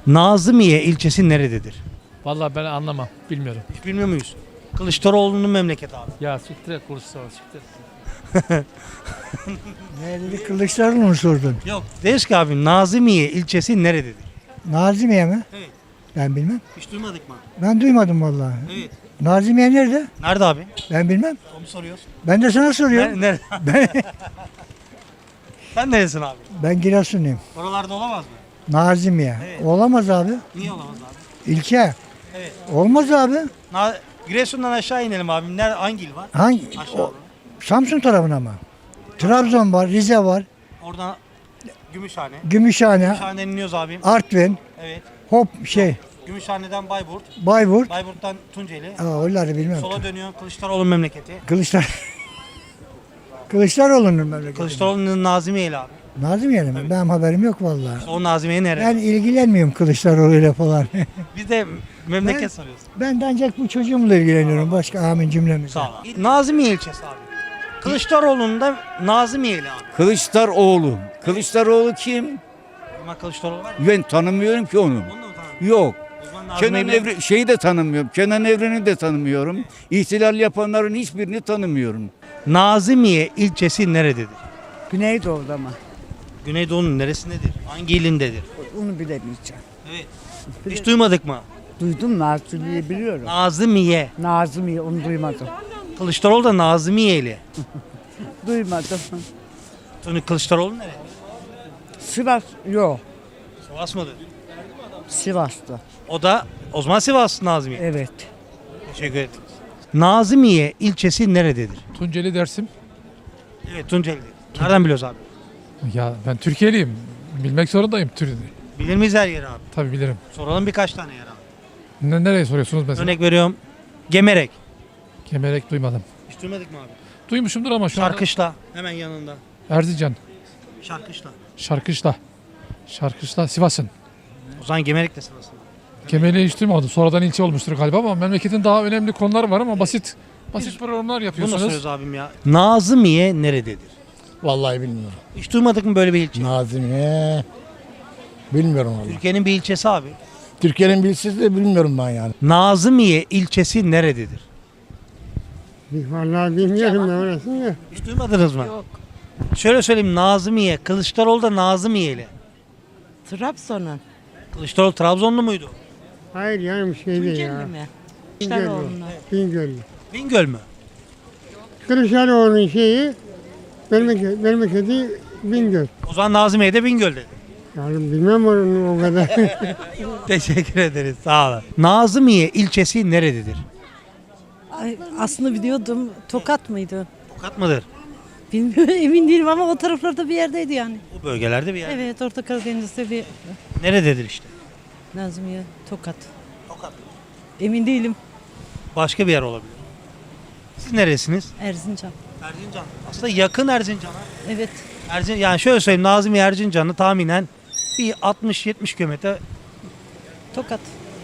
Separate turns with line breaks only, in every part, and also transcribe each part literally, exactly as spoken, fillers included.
Nazımiye ilçesi nerededir?
Vallahi ben anlamam. Bilmiyorum.
Hiç bilmiyor muyuz? Kılıçdaroğlu'nun memleketi abi.
Ya siktir et Kılıçdaroğlu siktir.
Nerede Kılıçdaroğlu mu sordun?
Yok. Deriz ki abi Nazımiye ilçesi nerededir?
Nazimiye mi?
Evet.
Ben bilmem.
Hiç duymadık mı?
Ben duymadım vallahi.
Evet.
Nazimiye nerede?
Nerede abi?
Ben bilmem.
Onu soruyoruz.
Ben de sana soruyorum.
Nerede?
Ben,
Sen neresin abi?
ben Giresunluyum.
Oralarda olamaz mı?
Nazimiye.
Evet.
Olamaz abi.
Niye olamaz abi?
İlçe.
Evet.
Olmaz abi.
Na Giresun'dan aşağı inelim abi. Nerede, hangi il var?
Hangi?
Aşağı.
O, Samsun tarafına mı? Trabzon var, Rize var,
Oradan Gümüşhane.
Gümüşhane,
Gümüşhane'den iniyoruz abim.
Artvin,
Evet.
hop şey,
Gümüşhane'den Bayburt.
Bayburt.
Bayburt'tan Tunceli.
Aa, onları bilmem.
Sola dönüyorsun Kılıçdaroğlu memleketi.
Kılıçlar Kılıçdaroğlu'nun memleketi.
Kılıçdaroğlu'nun Nazimiye ile abi.
Nazimiye mi? Benim haberim yok vallahi.
O Nazimiye nerede?
Ben ilgilenmiyorum Kılıçdaroğlu'yla falan.
Biz de memleket
Ben-
soruyoruz.
Ben de ancak bu çocuğumla ilgileniyorum. Başka amin cümlemiz.
Sağ ol. Nazimiye ilçesi abi. Kılıçdaroğlu'nun da Nazimiye ile abi.
Kılıçdaroğlu. Kılıçdaroğlu kim?
Ama Kılıçdaroğlu var mı?
Ben tanımıyorum ki onu.
Onu da mı tanımıyorsun?
Yok.
O zaman Nazimiye
Kenan
ile-
Evren şeyi de tanımıyorum. Kenan Evren'i de tanımıyorum. İhtilal yapanların hiçbirini tanımıyorum.
Nazimiye ilçesi nerededir?
Güneydoğu'da mı?
Güneydoğu'nun neresindedir? Hangi ilindedir?
Onu bilemeyeceğim.
Evet. Hiç duymadık mı?
Duydum Nazlı'yı biliyorum.
Nazimiye.
Nazım'ı onu duymadım.
Kılıçdaroğlu da Nazimiye ile.
Duymadım.
Tony Kılıçdaroğlu nerede?
Sivas yok.
Sivas mıdır?
Sivas'ta.
O da o zaman Sivas Nazimiye.
Evet.
Teşekkür ederim. Nazimiye ilçesi nerededir?
Tunceli Dersim.
Evet Tunceli'de. Nereden biliyoruz abi?
Ya ben Türkiye'liyim. Bilmek zorundayım. Tür
Bilir miyiz her yeri abi?
Tabii bilirim.
Soralım birkaç tane yer abi.
Ne, nereye soruyorsunuz mesela?
Örnek veriyorum. Gemerek.
Kemerek duymadım.
Hiç duymadık mı abi?
Duymuşumdur ama şu an
Şarkışla. Hemen yanında.
Erzincan.
Şarkışla.
Şarkışla. Şarkışla Sivas'ın.
O zaman Gemerek de sırasında.
Kemer'i hiç duymadım. Sonradan ilçe olmuştur galiba ama memleketin daha önemli konuları var ama basit basit programlar
Bunu da
yapıyorsunuz.
soruyoruz abim ya. Nazimiye nerededir?
Vallahi bilmiyorum.
Hiç duymadık mı böyle bir ilçe?
Nazimiye. Bilmiyorum vallahi.
Türkiye'nin bir ilçesi abi.
Türkiye'nin bilsiz de bilmiyorum ben yani.
Nazimiye ilçesi nerededir?
Vallahi bilmiyorum ben orasını da.
Hiç duymadınız mı? Yok. Şöyle söyleyeyim Nazimiye. Kılıçdaroğlu da Nazimiye'li.
Trabzon'un.
Kılıçdaroğlu Trabzonlu muydu?
Hayır yani bir şey değil
Tunceli
ya.
mi?
Bingöl.
Kılıçdaroğlu'nu.
Bingöl.
Bingöl mü?
Kılıçdaroğlu'nun şeyi memleket, memleketi Bingöl.
O zaman Nazimiye'de Bingöl'de.
Yani bilmem onun o kadar.
Teşekkür ederiz. Sağ olun. Nazimiye ilçesi nerededir?
Ay, aslında biliyordum. Tokat mıydı?
Tokat mıdır?
Bilmiyorum emin değilim ama o taraflarda bir yerdeydi yani.
Bu bölgelerde bir yer.
Evet Orta Karadeniz'de bir
Nerededir işte?
Nazmiye Tokat.
Tokat.
Emin değilim.
Başka bir yer olabilir. Siz neresiniz?
Erzincan.
Erzincan. Aslında yakın Erzincan'a.
Evet.
Erzin, yani şöyle söyleyeyim Nazimiye Erzincan'ı tahminen bir altmış yetmiş kilometre.
Tokat.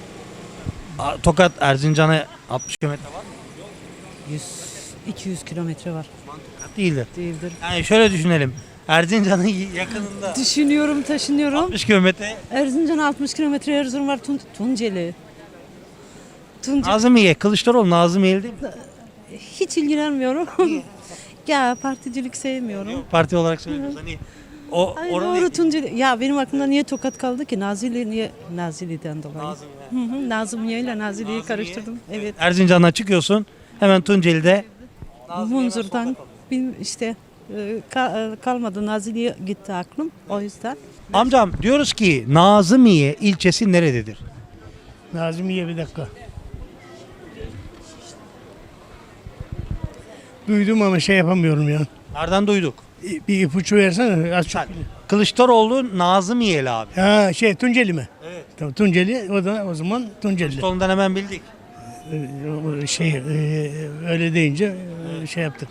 A- Tokat Erzincan'a altmış kilometre var mı?
yüz iki yüz kilometre var.
Tokat değildir.
Değildir.
Yani şöyle düşünelim. Erzincan'ın yakınında
Düşünüyorum, taşınıyorum.
altmış kilometre.
Erzincan altmış kilometre, Erzurum var. Tun Tunceli. Tunceli.
Nazimiye, Kılıçdaroğlu Nazimiye'li değil mi?
Hiç ilgilenmiyorum. Ya particilik sevmiyorum.
Parti olarak söylüyoruz. Hani o
Ay
oranın
doğru Tunceli. Ya benim aklımda niye Tokat kaldı ki? Nazilli niye? Nazilli'den dolayı.
Nazimiye.
Hı hı, Nazımye ile Nazilli'yi karıştırdım. Evet.
Erzincan'dan çıkıyorsun. Hemen Tunceli'de
Munzur'dan bil- işte e, ka- e, kalmadı. Nazilli'ye gitti aklım. O yüzden.
Amcam diyoruz ki Nazimiye ilçesi nerededir?
Nazimiye bir dakika. Duydum ama şey yapamıyorum ya.
Nereden duyduk?
Bir ipucu versene. Az çok.
Kılıçdaroğlu Nazimiye'li abi.
Ha şey Tunceli mi?
Evet.
Tamam Tunceli o da o zaman Tunceli.
Kılıçdaroğlu'ndan hemen bildik.
Ee, Şey e, öyle deyince e, şey yaptık.